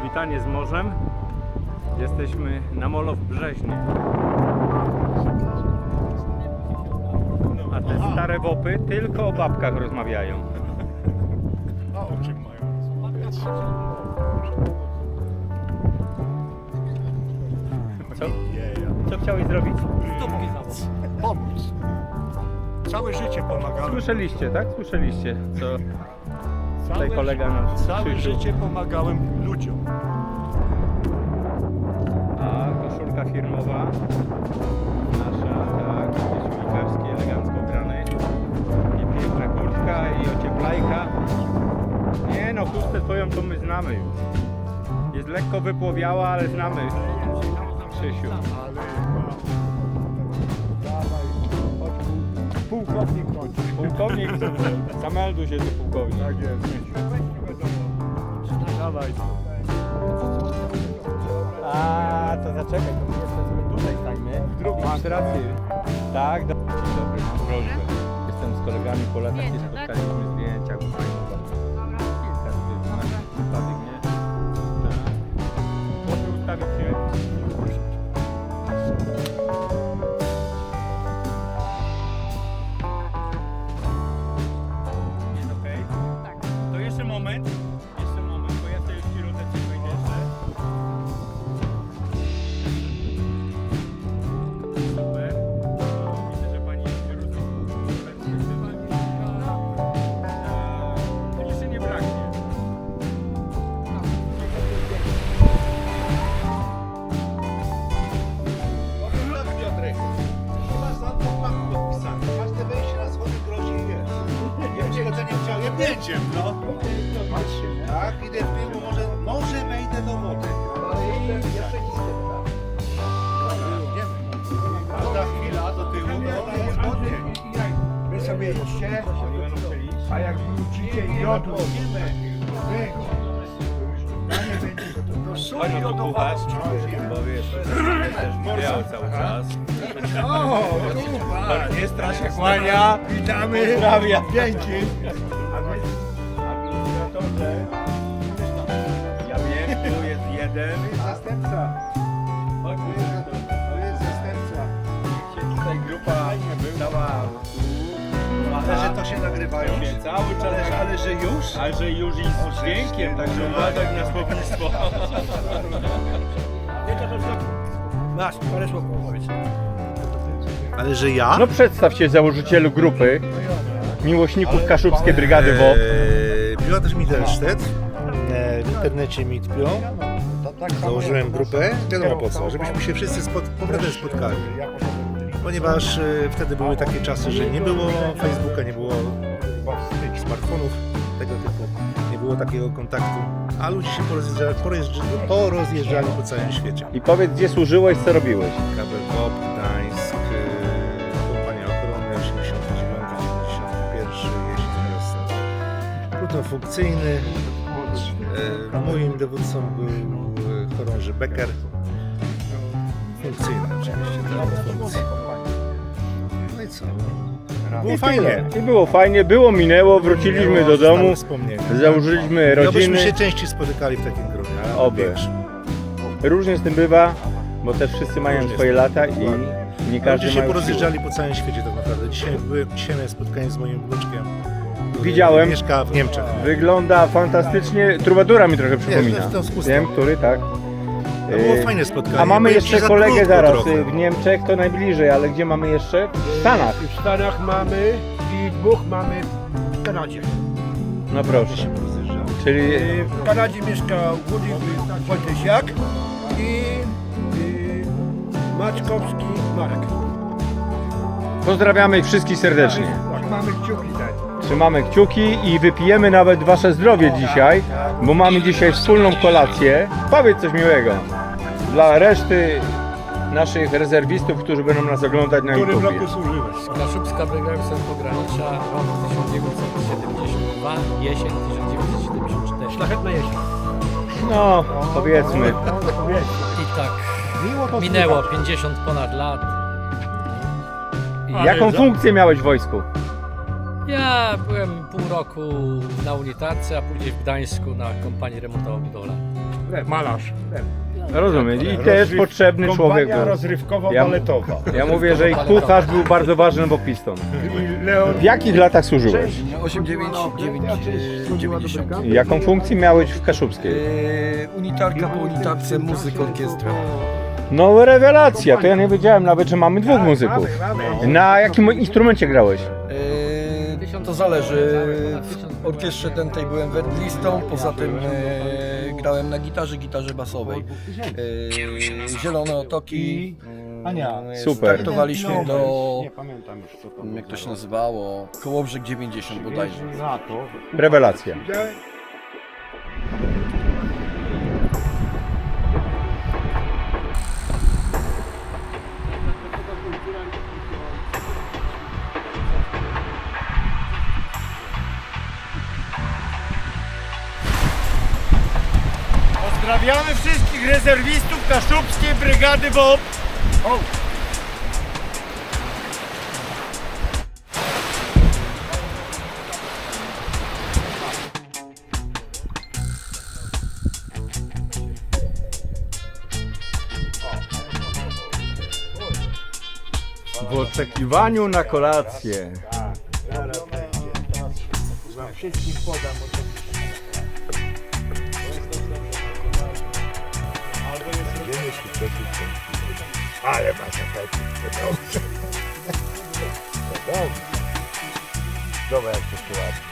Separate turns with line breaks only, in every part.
Powitanie z morzem. Jesteśmy na molo w Brzeźnie. A te stare wopy tylko o babkach rozmawiają.
A o czym mają rozmawiać?
Co chciałeś zrobić?
Pomóc. Całe życie pomagałem.
Słyszeliście, tak? Słyszeliście, co tutaj kolega nasz
Całe
Krzysiu.
życie pomagałem ludziom.
A koszulka firmowa nasza, tak, Krzysiu elegancko ubrany. I piękna kurtka i ocieplajka. Nie no, chustę twoją to my znamy już. Jest lekko wypłowiała, ale znamy Krzysiu.
Ale dawaj, chodź, pułkownik chodzi.
Pułkownik, zamelduj się, ty pułkownik.
Tak jest. Dawaj.
A, to zaczekaj, to my jeszcze sobie tutaj stańmy. Masz rację. Tak, dzień dobry, mam prośbę. Jestem z kolegami po latach, się spotkaliśmy zdjęcia, bo fajnie. Kilka zdjęć, przypadek, nie? Tak. Proszę ustawić się. Jest okej? Tak. To jeszcze moment, bo ja sobie w środeczek wejdę jeszcze. Super. Widzę, że pani jest to jeszcze nie braknie.
Tak, Piotrek. Masz tam podpisane. Każde wejście na schody grozi jest. Ja bym cię nie chciał jebnięciem, no. Tak, idę w tył, bo może wejdę do wody. Ale jeszcze nic nie Każda chwila do tyłu, to jest wody.
Wy sobie idźcie, a jak wrócicie i jodu to sól
Chodź, tu puchasz, bo wiesz, też miał cały czas. Nie strasz się kłania.
witamy.
Pozdrawia.
Dzięki.
Administratorze. Ja wiem, tu jest jeden.
Zastępca.
Chodź,
To jest zastępca.
się tutaj grupa cała
Ale że to się nagrywają.
cały czas,
Ale że już?
ale że już i z dźwiękiem, także uważaj na słownictwo.
Masz, parę słów powiedz.
Ale że ja?
No przedstaw się założycielu grupy miłośników Kaszubskiej Brygady WOP.
Piotr Mittelstedt. W internecie mi tpią. Założyłem grupę. Wiadomo po co, żebyśmy się wszyscy powrotem spotkali. Ponieważ wtedy były takie czasy, że nie było Facebooka, nie było smartfonów tego typu, nie było takiego kontaktu, a ludzie się porozjeżdżali po całym świecie.
I powiedz, gdzie służyłeś, co robiłeś?
Kabel Pop, Gdańsk, Kompania Ochrony 89-91, jesień, wiosna. Pluton funkcyjny. Moim dowódcą był chorąży Becker. Funkcyjny oczywiście, tak, funkcji. No i co? Było fajnie.
I było fajnie, było, minęło, wróciliśmy do domu, założyliśmy
Obyśmy
rodziny.
się częściej spotykali w takim gronie. ale
Oby.
wiesz,
Różnie z tym bywa, bo też wszyscy mają
Różnie
swoje
z tym,
lata i
dokładnie.
nie każdy
Ludzie się
ma już siłę.
porozjeżdżali po całym świecie tak naprawdę. Dzisiaj miałem spotkanie z moim wnuczkiem, który
Widziałem.
mieszka w Niemczech.
Wygląda fantastycznie, Trubadura mi trochę przypomina.
to z chustą.
Wiem, który, tak.
To było fajne spotkanie.
A mamy
Powiem ci,
jeszcze
za
kolegę
krótko
zaraz,
trochę.
w Niemczech to najbliżej, ale gdzie mamy jeszcze? W Stanach.
W Stanach mamy i dwóch mamy w Kanadzie.
No proszę. Czyli
W Kanadzie mieszka Woody Wojtysiak i Maczkowski Marek.
pozdrawiamy ich wszystkich serdecznie.
Mamy kciuki dać.
Trzymamy kciuki i wypijemy nawet wasze zdrowie dzisiaj, bo mamy dzisiaj wspólną kolację. Powiedz coś miłego dla reszty naszych rezerwistów, którzy będą nas oglądać na
W którym
YouTube.
roku służyłeś?
Kaszubska Brygada Pogranicza, rok 1972, jesień 1974.
Szlachetna jesień.
No, powiedzmy.
I tak minęło 50 ponad lat.
Jaką funkcję miałeś w wojsku?
Ja byłem pół roku na unitarce, a później w Gdańsku na kompanii remontowo-budowlanej.
Malarz.
Rozumiem. I też potrzebny człowiek
Kompania
był.
rozrywkowo-baletowa.
Ja mówię, że i kucharz był bardzo ważny, bo piston. W jakich latach służyłeś?
90.
Jaką funkcję miałeś w Kaszubskiej?
Unitarka po unitarce, muzyk, orkiestra.
No rewelacja, to ja nie wiedziałem nawet, że mamy dwóch muzyków. Na jakim instrumencie grałeś?
To zależy. W orkiestrze tej byłem werdlistą, poza tym grałem na gitarze basowej. Zielone Otoki.
Super.
Startowaliśmy do, jak to się nazywało, Kołobrzeg 90 bodajże.
Rewelacja.
Pozdrawiamy wszystkich rezerwistów Kaszubskiej Brygady WOP.
W oczekiwaniu na kolację.
Wszystkim podam. Ale masz efekt. Dobra, jak to się ładnie.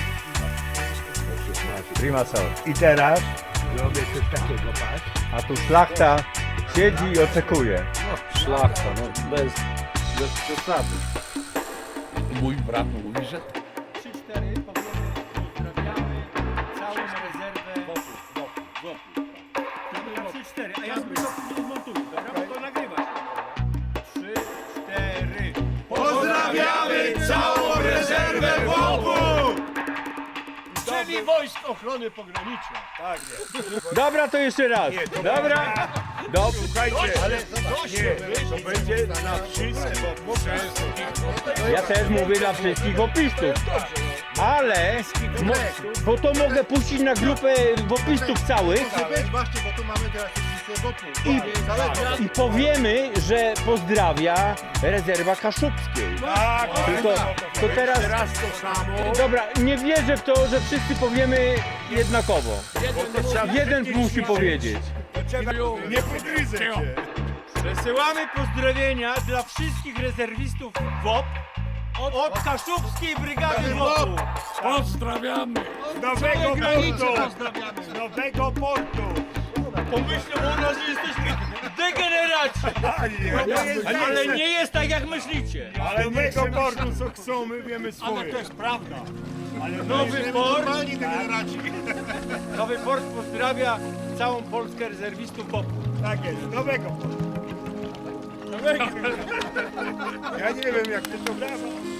Prima sal.
I teraz robię coś takiego, patrz.
A tu szlachta siedzi i oczekuje.
Szlachta, no bez przesady. Mój brat mówi, że
3-4 pozdrawiamy całą rezerwę wokół. 3-4, a ja sobie to zmontuję, dobra? Bo to nagrywasz. 3-4.
Pozdrawiamy całą rezerwę WOP-u! Czyli Wojsk Ochrony Pogranicznej. Tak jest.
Dobra, to jeszcze raz. Dobra.
Słuchajcie, ale to będzie na wszystkich.
Ja też mówię dla wszystkich wopistów. Ale, bo to mogę puścić na grupę wopistów całych
Właśnie, bo tu mamy teraz listę wokół.
i powiemy, że pozdrawia rezerwa kaszubskiej.
Tak,
To teraz,
raz to samo.
dobra, nie wierzę w to, że wszyscy powiemy jednakowo. Jeden musi powiedzieć.
Nie pogryzę cię.
Przesyłamy pozdrowienia dla wszystkich rezerwistów WOP od Kaszubskiej Brygady WOP-u.
pozdrawiamy.
Z Nowego Portu. Z Nowego Portu.
Pomyślą o nas, że jesteśmy degeneraci. Ale nie jest tak, jak myślicie.
Ale Nowego Portu co chcą, my wiemy swoje. Ale to jest prawda. Ale
Nowy port,
degeneraci.
Nowy Port pozdrawia całą Polskę rezerwistów WOP-u.
Tak jest, Nowego Portu. Ja nie wiem jak ty to brawa.